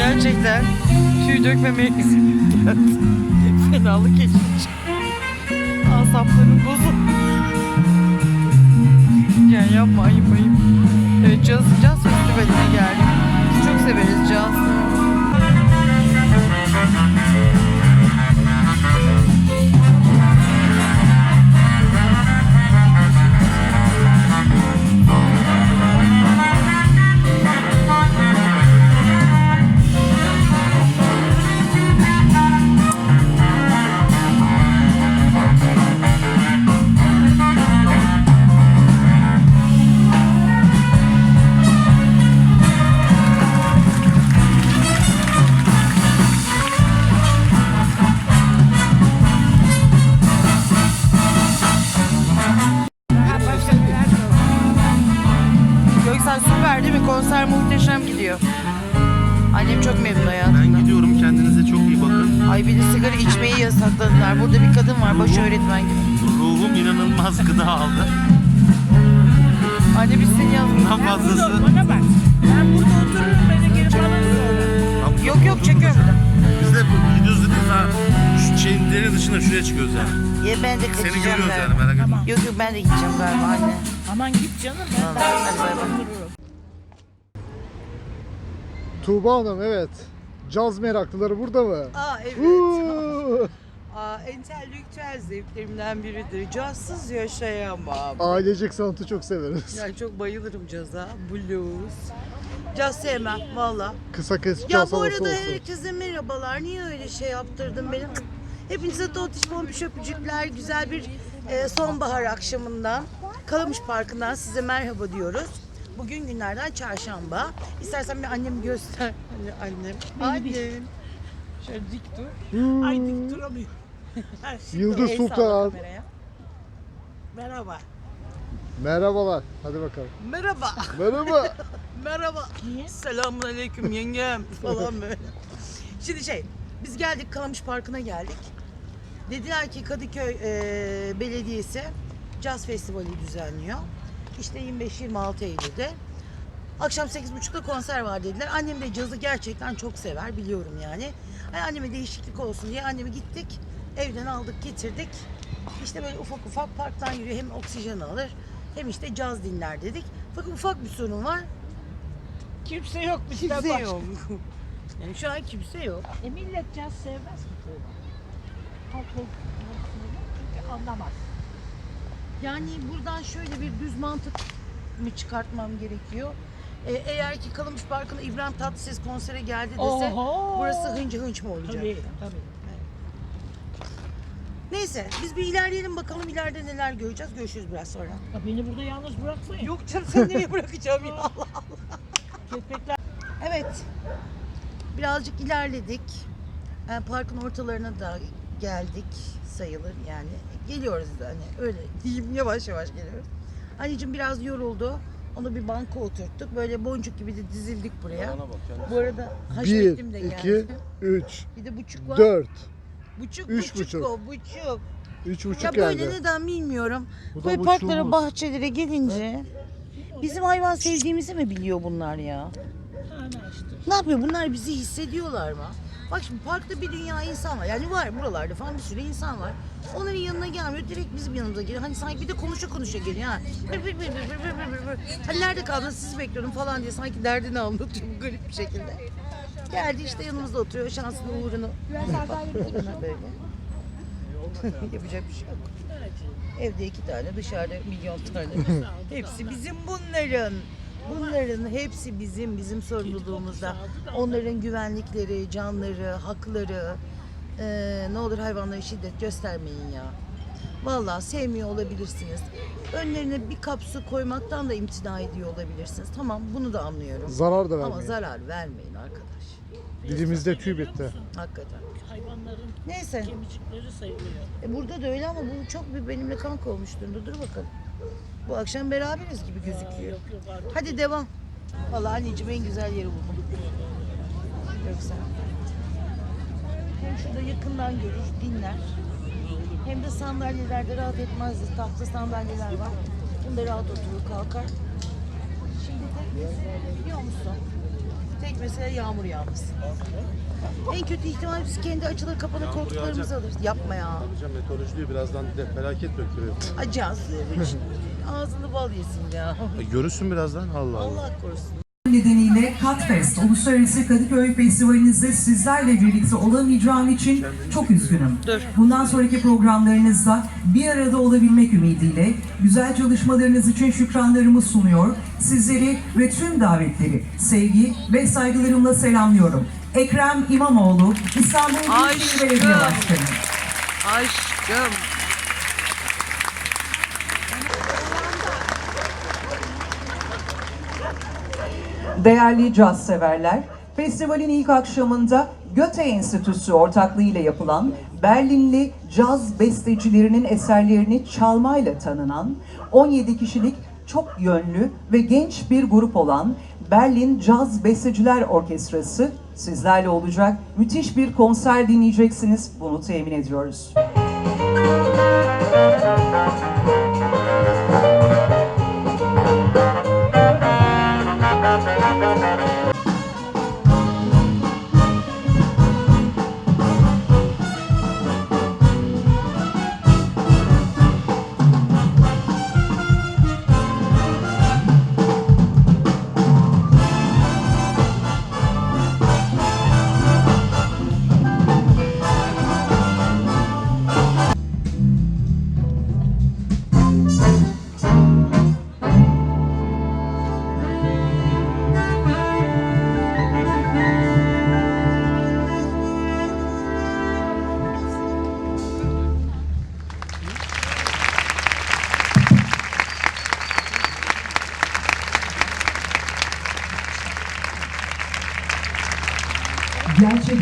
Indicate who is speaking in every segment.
Speaker 1: Gerçekten tüy dökmemeye geldi. Fenalık geçmiş. Asaplarım bozuldu. Yani yapma, ayıp. Evet, Caz Festivali'ne geldik. Biz çok severiz caz. Süper değil mi? Konser muhteşem gidiyor. Annem çok memnun hayatımdan.
Speaker 2: Ben gidiyorum. Kendinize çok iyi bakın.
Speaker 1: Ay, bir de sigara içmeyi yasakladılar. Burada bir kadın var, baş öğretmen gibi.
Speaker 2: Ruhum inanılmaz gıda aldı.
Speaker 1: Anne biz seni yazdık.
Speaker 2: Bundan fazlası.
Speaker 3: Bana bak. Ben burada otururum, beni geri bana sonra.
Speaker 1: Yok çekiyorum burada.
Speaker 2: Biz de gidiyoruz dediğiniz ha şu şeyin deri dışında şuraya çıkıyoruz yani.
Speaker 1: Ya ben de
Speaker 2: Seni
Speaker 1: kaçacağım
Speaker 2: görüyoruz
Speaker 1: galiba.
Speaker 2: yani, merak etme.
Speaker 3: Tamam.
Speaker 1: Yok ben de gideceğim galiba anne.
Speaker 3: Aman git canım, ben
Speaker 1: Tamam,
Speaker 3: daha
Speaker 1: hadi bay bay.
Speaker 3: otururum.
Speaker 4: Tuğba Hanım, evet. Caz meraklıları burada mı?
Speaker 5: Evet. Entelektüel zevklerimden biridir. Cazsız yaşayamam.
Speaker 4: Ailecek sanatı çok severiz.
Speaker 5: Yani çok bayılırım caza, blues. Caz sevmem valla.
Speaker 4: Kısa kes
Speaker 5: Ya
Speaker 4: caz
Speaker 5: bu
Speaker 4: havası
Speaker 5: arada
Speaker 4: olsun.
Speaker 5: herkese merhabalar. Niye öyle şey yaptırdın benim? Hepinize totiş pompiş öpücükler. Güzel bir sonbahar akşamından, Kalamış Parkı'ndan size merhaba diyoruz. Bugün günlerden çarşamba. İstersen bir annemi göster. Annem. Annem. Şöyle dik dur.
Speaker 3: Ay dik duramıyorum.
Speaker 4: Yıldız
Speaker 5: El salla
Speaker 4: Sultan.
Speaker 5: kameraya.
Speaker 3: Merhaba.
Speaker 4: Merhabalar. Hadi bakalım.
Speaker 5: Merhaba.
Speaker 4: Merhaba.
Speaker 5: Merhaba.
Speaker 3: Niye?
Speaker 5: Selamun aleyküm yengem falan böyle. Şimdi biz geldik, Kalamış Parkı'na geldik. Dediler ki Kadıköy Belediyesi Caz Festivali düzenliyor. İşte 25-26 Eylül'de. Akşam 8.30'da konser var dediler. Annem de cazı gerçekten çok sever, biliyorum yani. Anneme değişiklik olsun diye annemi gittik. Evden aldık getirdik. İşte böyle ufak ufak parktan yürüyor. Hem oksijen alır hem işte caz dinler dedik. Fakat ufak bir sorun var.
Speaker 3: Kimse yok bizden
Speaker 5: Kimse
Speaker 3: başka.
Speaker 5: yok. Yani şu an kimse yok.
Speaker 3: Millet caz sevmez mi Tuğba? Halk çünkü anlamaz.
Speaker 5: Yani buradan şöyle bir düz mantık mı çıkartmam gerekiyor? Eğer ki Kalamış Parkı'na İbrahim Tatlıses konsere geldi dese
Speaker 3: Oho!
Speaker 5: burası hınca hınç mı olacak?
Speaker 3: Tabii.
Speaker 5: Neyse biz bir ilerleyelim bakalım, ileride neler göreceğiz. Görüşürüz biraz sonra.
Speaker 3: Ya beni burada yalnız bırakmayın.
Speaker 5: Yok canım, sen nereye bırakacağım ya, Allah Allah.
Speaker 3: Köpekler.
Speaker 5: Evet. Birazcık ilerledik. Yani parkın ortalarına da geldik sayılır yani. Geliyoruz da hani öyle diyeyim, yavaş yavaş geliyoruz. Anneciğim biraz yoruldu. Onu bir banka oturttuk. Böyle boncuk gibi de dizildik buraya. Bu arada
Speaker 4: 1,
Speaker 5: Haşmet'im de geldi.
Speaker 4: 2, 3,
Speaker 5: Bir de buçuk var.
Speaker 4: 4,
Speaker 5: Buçuk,
Speaker 4: üç
Speaker 5: buçuk
Speaker 4: buçuk.
Speaker 5: o, buçuk.
Speaker 4: 3,5
Speaker 5: Ya
Speaker 4: geldi.
Speaker 5: böyle neden bilmiyorum.
Speaker 4: Bu da
Speaker 5: Böyle parklara,
Speaker 4: buçuğumuz.
Speaker 5: bahçelere gelince bizim hayvan sevdiğimizi mi biliyor bunlar ya?
Speaker 3: Ana işte.
Speaker 5: Ne yapıyor? Bunlar bizi hissediyorlar mı? Bak şimdi parkta bir dünya insan var. Yani var buralarda falan bir sürü insan var. Onların yanına gelmiyor. Direkt bizim yanımıza geliyor. Hani sanki bir de konuşa geliyor ha. Hani nerede kaldınız, sizi bekliyorum falan diye sanki derdini anlatıyor bu garip bir şekilde. Geldi işte yanımızda oturuyor. Şansını uğrunu böyle. Yapacak bir şey yok. Evde 2 tane, dışarıda milyon tane. Hepsi bizim bunların. Bunların hepsi bizim sorumluluğumuzda. Onların güvenlikleri, canları, hakları. Ne olur hayvanlara şiddet göstermeyin ya. Vallahi sevmiyor olabilirsiniz. Önlerine bir kap su koymaktan da imtina ediyor olabilirsiniz. Tamam, bunu da anlıyorum.
Speaker 4: Zarar da
Speaker 5: Ama
Speaker 4: vermeyin.
Speaker 5: zarar vermeyin arkadaş.
Speaker 4: Dilimizde tüy bitti.
Speaker 5: Hakikaten.
Speaker 3: Hayvanların
Speaker 5: Neyse.
Speaker 3: kemicikleri sayılıyor.
Speaker 5: Burada da öyle ama bu çok bir benimle kanka olmuş durumda. Dur bakalım. Bu akşam beraberiz gibi gözüküyor.
Speaker 3: Yok var.
Speaker 5: Hadi devam. Vallahi anneciğim en güzel yeri buldum. Yoksa. Hem şurada yakından görür, dinler. Hem de sandalyelerde rahat etmezdi. Tahta sandalyeler var. Bunda rahat oturur, kalkar. Şimdi de biliyor musun? Tek mesele yağmur yağması. En kötü ihtimal biz kendi açılır kapanır
Speaker 2: Yağmur
Speaker 5: koltuklarımızı
Speaker 2: yağacak.
Speaker 5: alırız. Yapma ya.
Speaker 2: Hocam meteoroloji diyor birazdan de felaket döktürüyor.
Speaker 5: Acaz. Ağzını bal yesin ya.
Speaker 2: Görürsün birazdan Allah Allah.
Speaker 5: Allah korusun.
Speaker 6: Nedeniyle Catfest Uluslararası Kadıköy Festivalinizde sizlerle birlikte olamayacağım için çok üzgünüm. Bundan sonraki programlarınızda bir arada olabilmek ümidiyle güzel çalışmalarınız için şükranlarımı sunuyor. Sizleri ve tüm davetleri sevgi ve saygılarımla selamlıyorum. Ekrem İmamoğlu, İstanbul Büyükşehir Belediye Başkanı.
Speaker 1: Aşkım.
Speaker 6: Değerli caz severler, festivalin ilk akşamında Goethe Enstitüsü ortaklığıyla yapılan Berlinli caz bestecilerinin eserlerini çalmayla tanınan 17 kişilik çok yönlü ve genç bir grup olan Berlin Caz Besteciler Orkestrası sizlerle olacak. Müthiş bir konser dinleyeceksiniz, bunu temin ediyoruz. Gerçek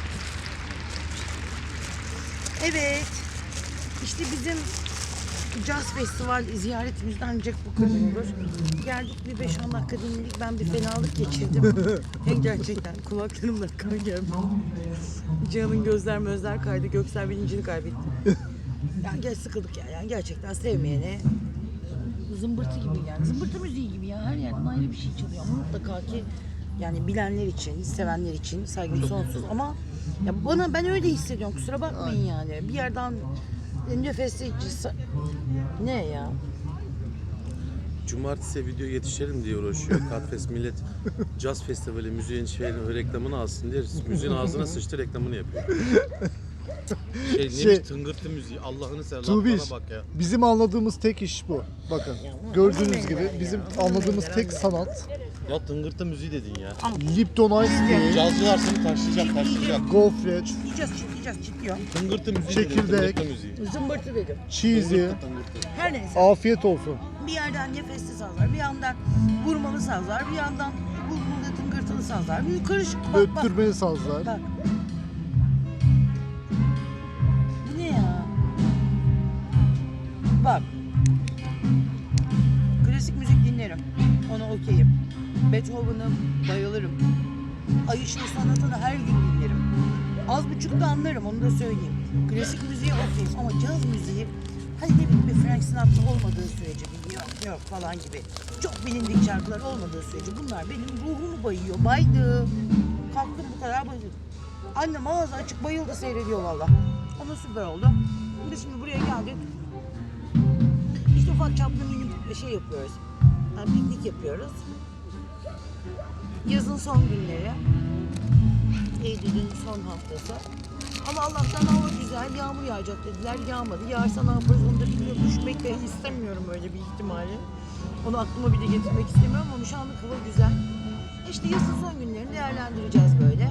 Speaker 5: Evet. İşte bizim Caz Festival ziyaretimizden ancak bu kadar olur. Geldik bir 5-10 dakika dinledik. Ben bir fenalık geçirdim. Gerçekten kulaklarımda kan geldi. Cihan'ın gözler kaydı. Göksel bilincini kaybetti. Yani gel sıkıldık ya. Yani gerçekten sevmeyene zımbırtı gibi yani. Zımbırtı müziği gibi ya. Her yerden ayrı bir şey çalıyor. Ama mutlaka ki yani bilenler için, sevenler için saygım sonsuz. Ama ya ben öyle hissediyorum. Kusura bakmayın yani. Bir yerden nefesleyici ne ya?
Speaker 2: Cumartesi video yetişelim diye uğraşıyor. Catfest millet Caz Festivali müziğin reklamını alsın diye müziğin ağzına sıçtı reklamını yapıyor. Neymiş tıngırtı müziği Allah'ını seversen
Speaker 4: Tuğbiş,
Speaker 2: bana bak ya.
Speaker 4: bizim anladığımız tek iş bu. Bakın gördüğünüz gibi bizim anladığımız tek sanat
Speaker 2: Ya tıngırtı müziği dedin ya.
Speaker 4: Lipton Ice Tea,
Speaker 2: Cazcılar seni taşlayacak.
Speaker 4: gofret,
Speaker 5: Yiyeceğiz çıkıyor.
Speaker 2: Tıngırtı müziği
Speaker 4: Çekirdek.
Speaker 2: dedin, tıngırtı müziği.
Speaker 5: Zımbırtı dedim.
Speaker 4: cheesy,
Speaker 2: Tıngırtı.
Speaker 5: Her neyse.
Speaker 4: afiyet olsun.
Speaker 5: Bir yerden nefesli sazlar, bir yandan vurmalı sazlar, bir yandan bulgurlu tıngırtılı sazlar. Bir karışık bak.
Speaker 4: Öttürmeli sazlar.
Speaker 5: Bak. Bu ne ya? Bak. Klasik müzik dinlerim. Ona okeyim. Beethoven'ı bayılırım. Ayışlı sanatını her gün dinlerim. Az buçuk da anlarım, onu da söyleyeyim. Klasik müziğe okeyim ama caz müziği hani ne bileyim bir Frank Sinatra olmadığı sürece yok falan gibi. Çok bilindik şarkılar olmadığı sürece bunlar benim ruhumu bayıyor. Baydı. Kalktım bu kadar bayıldım. Annem ağzı açık bayıldı seyrediyor valla. Ama süper oldu. Biz şimdi buraya geldik. İşte ufak çaplı minik şey yapıyoruz. Yani piknik yapıyoruz. Yazın son günleri. Eylül'ün son haftası. Ama Allah'tan hava güzel, yağmur yağacak dediler. Yağmadı. Yağarsa ne yaparız onu da bilmiyorum. Düşmek de istemiyorum öyle bir ihtimali. Onu aklıma bile getirmek istemiyorum ama şu anlık hava güzel. İşte yazın son günlerini değerlendireceğiz böyle.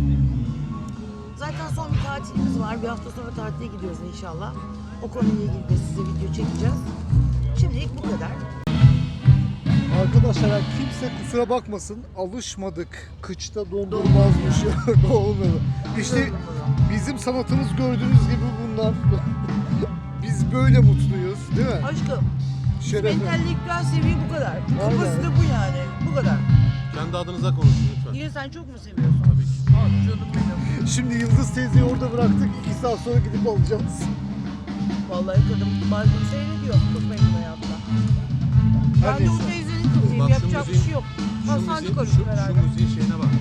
Speaker 5: Zaten son bir tatilimiz var. Bir hafta sonra tatile gidiyoruz inşallah. O konuyla ilgili de size video çekeceğiz. Şimdilik bu kadar.
Speaker 4: Arkadaşlar yani kimse kusura bakmasın, alışmadık. Kıçta dondurmazmış ya. Olmadı. İşte bizim sanatımız gördüğünüz gibi bunlar. Biz böyle mutluyuz değil mi?
Speaker 5: Aşkım,
Speaker 4: Şerefim.
Speaker 5: entelektüel seviye bu kadar. Kafası da bu yani. Bu kadar.
Speaker 2: Kendi adınıza konuşun lütfen.
Speaker 5: Niye sen çok mu seviyorsun?
Speaker 2: Tabii ki.
Speaker 5: Aa, canım benim.
Speaker 4: Şimdi Yıldız teyzeyi orada bıraktık. 2 saat sonra gidip alacağız.
Speaker 5: Vallahi kadın bazen seyrediyor köpeğin hayatta. Ben de bu
Speaker 4: neyse.
Speaker 5: teyzenin kızıyım.
Speaker 2: Bak şu
Speaker 5: Yapacak bir
Speaker 2: müziğin-
Speaker 5: şey yok. Hastancı
Speaker 2: Şu
Speaker 5: karışık herhalde.
Speaker 2: müziğin şeyine bak.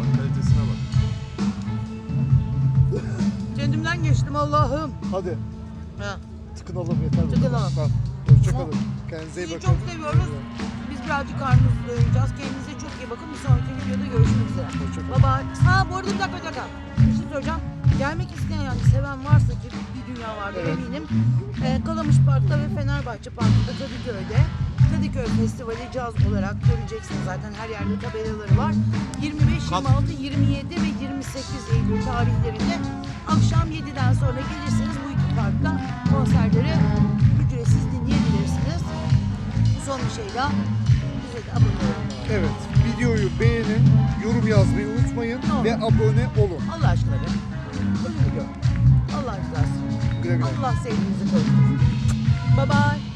Speaker 5: ettim Allah'ım.
Speaker 4: Hadi
Speaker 5: Ha.
Speaker 4: tıkınalım yeter. bu
Speaker 5: Tıkınalım.
Speaker 4: kadar. Tamam. Hoşçakalın. Kendinize iyi
Speaker 5: Sizi
Speaker 4: bakın.
Speaker 5: çok seviyoruz. Biz birazcık karnımızı doyuracağız. Kendinize çok iyi bakın. Bir sonraki videoda görüşmek üzere.
Speaker 4: Hoşçakalın.
Speaker 5: Bye bye. Ha bu arada bir dakika. Bir şey söyleyeceğim. Gelmek isteyen yani seven varsa ki bir dünya vardır
Speaker 4: Evet.
Speaker 5: eminim. Kalamış Park'ta ve Fenerbahçe Park'ta Kadıköy'de Kadıköy Festivali caz olarak göreceksiniz. Zaten her yerde tabelaları var. 25, 26, 27 ve 28 Eylül tarihlerinde akşam 7'den sonra gelirsiniz bu iki parkta konserleri ücretsiz dinleyebilirsiniz. Son bir şey daha bize de abone olun.
Speaker 4: Evet, videoyu beğenin, yorum yazmayı unutmayın
Speaker 5: Tamam.
Speaker 4: ve abone olun.
Speaker 5: Allah aşkına be. Ölümü gör. Allah rızası.
Speaker 4: Güle güle.
Speaker 5: Allah sevdiğinizi korusun. Bye bye.